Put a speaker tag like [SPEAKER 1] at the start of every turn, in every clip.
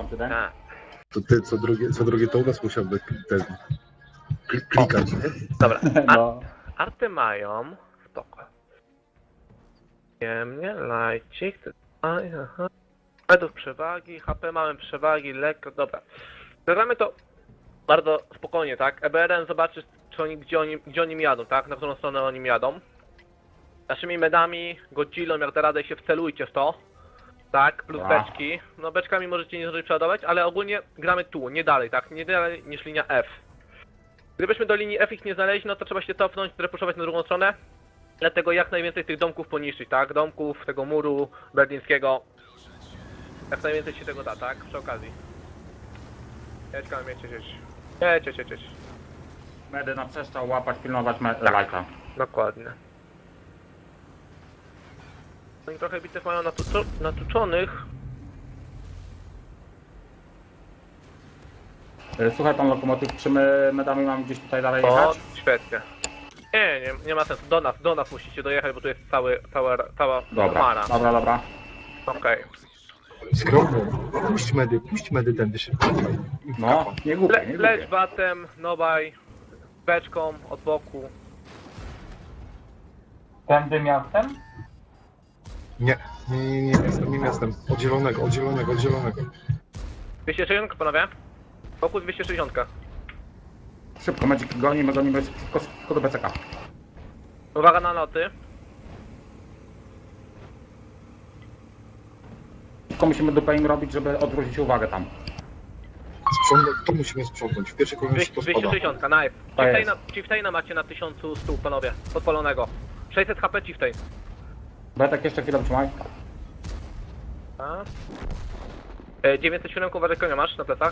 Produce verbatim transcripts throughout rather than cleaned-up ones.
[SPEAKER 1] ty, tak?
[SPEAKER 2] Tak.
[SPEAKER 3] To ty co drugie, co drugie to u nas musiałby ten kli- klikać, nie?
[SPEAKER 2] Dobra, Ar
[SPEAKER 1] No.
[SPEAKER 2] arty mają, spoko. Przyjemnie, lajcik, aj, aha. Według przewagi, H P mamy przewagi, lekko, dobra. Zagramy to bardzo spokojnie, tak? E B R N zobaczy, czy oni, gdzie, oni, gdzie oni jadą, tak? Na którą stronę oni jadą. Naszymi medami, Godzillą, jak da radę się wcelujcie w to. Tak, plus
[SPEAKER 1] Dobra.
[SPEAKER 2] beczki. No beczkami możecie nie zdążyć przeładować, ale ogólnie gramy tu, nie dalej, tak? Nie dalej niż linia F. Gdybyśmy do linii F ich nie znaleźli, no to trzeba się cofnąć, repuszować na drugą stronę. Dlatego jak najwięcej tych domków poniszczyć, tak? Domków, tego muru berlińskiego. Jak najwięcej się tego da, tak? Przy okazji. Jedź, kam, jedź, jedź, jedź. Jedź, jedź, jedź, jedź.
[SPEAKER 1] Medy na przestrzał łapać, pilnować me-
[SPEAKER 2] Tak.
[SPEAKER 1] lajka.
[SPEAKER 2] Dokładnie. Oni trochę bitew mają natuczo natuczonych.
[SPEAKER 1] Y, Słuchaj pan lokomotyw, czy my medami mamy gdzieś tutaj dalej
[SPEAKER 2] O,
[SPEAKER 1] jechać?
[SPEAKER 2] świetnie. Nie, nie, nie ma sensu. Do nas, do nas musicie dojechać, bo tu jest cały, cała, cała
[SPEAKER 1] Dobra,
[SPEAKER 2] chmara.
[SPEAKER 1] dobra, dobra.
[SPEAKER 2] Okej.
[SPEAKER 3] Skromnie. Puść medy, puść medy tędy się.
[SPEAKER 1] No, nie głupie,
[SPEAKER 2] Le
[SPEAKER 1] nie
[SPEAKER 2] leć
[SPEAKER 1] głupie.
[SPEAKER 2] batem, nobaj, beczką od boku.
[SPEAKER 4] Tędy miastem?
[SPEAKER 3] Nie, nie, nie, nie, miastem, nie miastem. Od zielonego, od zielonego, od zielonego.
[SPEAKER 2] dwieście sześćdziesiąt, panowie? Wokół dwieście sześćdziesiąt.
[SPEAKER 1] Szybko, Magic gonimy, gonimy, szybko, szybko do B C K.
[SPEAKER 2] Uwaga na loty.
[SPEAKER 1] Szybko musimy dupę im robić, żeby odwrócić uwagę tam.
[SPEAKER 3] Sprzątnąć, to musimy sprzątnąć. W pierwszej kolejności to
[SPEAKER 2] dwieście
[SPEAKER 3] spada.
[SPEAKER 2] sześćdziesiąt, nice.
[SPEAKER 1] To jest.
[SPEAKER 2] Chieftaina, Chieftaina macie na tysiąc stu, panowie, podpalonego. sześćset H P Chieftain.
[SPEAKER 1] Betek jeszcze chwilę trzymaj.
[SPEAKER 2] A? E, dziewięćset siedem, uważaj, konia masz na plecach.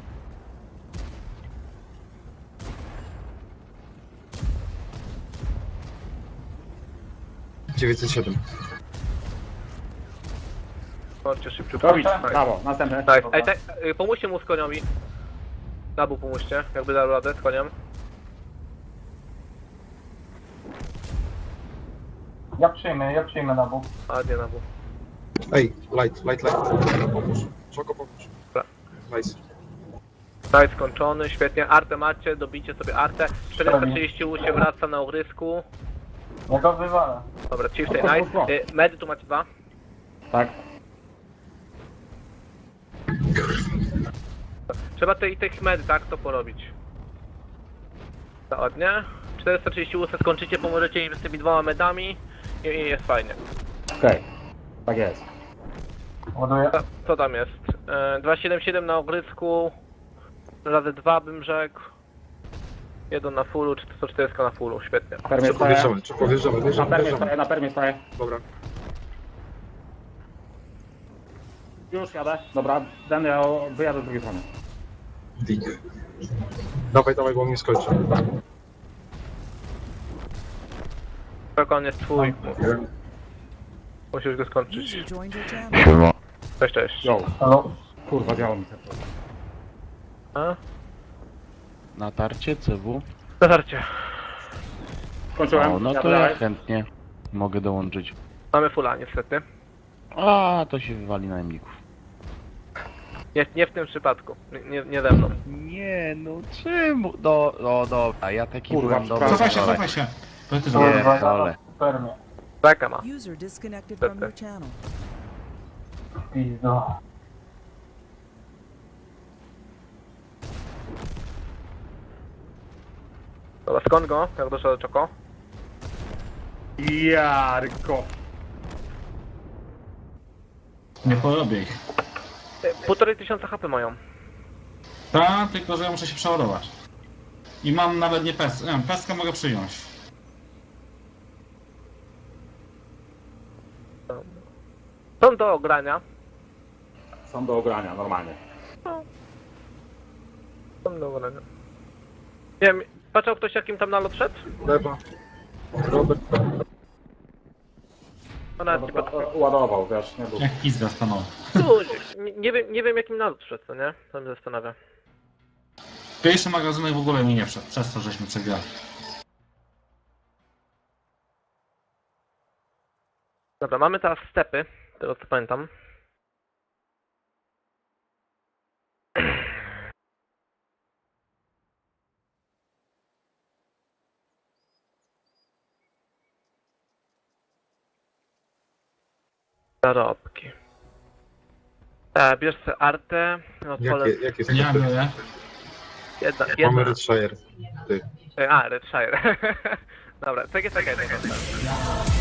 [SPEAKER 3] dziewięćset siedem.
[SPEAKER 2] Chodźcie szybciutko.
[SPEAKER 1] Robić,
[SPEAKER 2] Nice.
[SPEAKER 1] brawo, następny.
[SPEAKER 2] Nice. Ej, te, y, pomóżcie mu z koniomi. Nabu pomóżcie, jakby dał radę z koniem.
[SPEAKER 4] Ja przyjmę, ja przyjmę na bok.
[SPEAKER 2] A nie Nabu.
[SPEAKER 3] Ej, light, light, light. Pomóż. Czego pomóż?
[SPEAKER 2] Dobra.
[SPEAKER 3] Nice.
[SPEAKER 2] Nice, skończony, świetnie. Artę macie, dobijcie sobie artę. czterysta trzydzieści U się wraca na ogrysku.
[SPEAKER 4] Ja go wywalę.
[SPEAKER 2] Dobra, Chieftain, nice. Y, Medy tu macie dwa.
[SPEAKER 1] Tak.
[SPEAKER 2] Trzeba tej, tych medy, tak, to porobić. To ładnie. czterysta trzydzieści U skończycie, pomożecie im z tymi dwoma medami i, i jest fajnie.
[SPEAKER 1] Okej, tak jest.
[SPEAKER 4] Ładuję.
[SPEAKER 2] Co, co tam jest? E, dwieście siedemdziesiąt siedem na ogrysku. Razy dwa bym rzekł. Jeden na fullu, czy sto czterdzieści na fullu, świetnie.
[SPEAKER 1] Permie
[SPEAKER 3] Szybko
[SPEAKER 1] stoję.
[SPEAKER 3] wjeżdżamy, szybko wjeżdżamy,
[SPEAKER 1] Na
[SPEAKER 3] wjeżdżamy,
[SPEAKER 1] permie
[SPEAKER 3] wjeżdżamy.
[SPEAKER 1] stoję, na permie stoję.
[SPEAKER 3] Dobra.
[SPEAKER 1] Już jadę. Dobra, ten ja wyjadę z drugiej strony.
[SPEAKER 3] Dig. Dawaj, dawaj, bo on nie skończy.
[SPEAKER 2] Tak, on jest twój. Musisz go skończyć.
[SPEAKER 5] User joined your channel.
[SPEAKER 2] Cześć, cześć.
[SPEAKER 1] Yo,
[SPEAKER 4] Halo?
[SPEAKER 1] kurwa, działo mi się.
[SPEAKER 2] A?
[SPEAKER 6] Natarcie C W?
[SPEAKER 2] Zatarcie.
[SPEAKER 1] Skończyłem.
[SPEAKER 6] O, no
[SPEAKER 1] jadę
[SPEAKER 6] to ja
[SPEAKER 1] dalej.
[SPEAKER 6] chętnie mogę dołączyć.
[SPEAKER 2] Mamy fulla niestety.
[SPEAKER 6] A, to się wywali najemników.
[SPEAKER 2] Nie, nie w tym przypadku. Nie, nie, nie ze mną.
[SPEAKER 6] Nie, no czemu? No, no dobra, ja taki
[SPEAKER 1] Kurwa,
[SPEAKER 6] byłem dobry.
[SPEAKER 1] przepraszam.
[SPEAKER 7] Cofaj się, cofaj się.
[SPEAKER 6] Nie,
[SPEAKER 4] Kurwa,
[SPEAKER 6] dole.
[SPEAKER 4] ja spermię.
[SPEAKER 2] Beka ma.
[SPEAKER 5] User disconnected from your channel.
[SPEAKER 4] Pizdo.
[SPEAKER 2] Dobra, skąd go? Jak doszedł do Czoko?
[SPEAKER 1] Jarko.
[SPEAKER 7] Nie porobię ich.
[SPEAKER 2] E, Półtorej tysiąca H P mają.
[SPEAKER 7] Ta, tylko że ja muszę się przeładować. I mam nawet nie pes. Nie, peskę mogę przyjąć.
[SPEAKER 2] Są do ogrania.
[SPEAKER 1] Są do ogrania, normalnie.
[SPEAKER 2] Są do ogrania. Nie wiem, patrzał ktoś jakim tam nalot szedł?
[SPEAKER 3] Lewa. Robert.
[SPEAKER 2] No nawet nie patrzał.
[SPEAKER 1] Ładował, wiesz, nie był.
[SPEAKER 7] Jak pizda stanął.
[SPEAKER 2] Nie, nie, wiem, nie wiem jakim nalot szedł, co nie? To mnie zastanawia.
[SPEAKER 7] Pierwszy magazynek w ogóle mi nie wszedł, przez to żeśmy przegrali.
[SPEAKER 2] Dobra, mamy teraz stepy, tego co pamiętam. Zarobki. E, bierz sobie artę. Odpalę
[SPEAKER 3] Jakie, jakie są
[SPEAKER 7] Ja
[SPEAKER 3] te-
[SPEAKER 7] biorę.
[SPEAKER 2] jedna,
[SPEAKER 3] Mamy
[SPEAKER 2] jedna.
[SPEAKER 3] Redshire. Ty.
[SPEAKER 2] E, A, Redshire. Dobra, czekaj, czekaj, czekaj.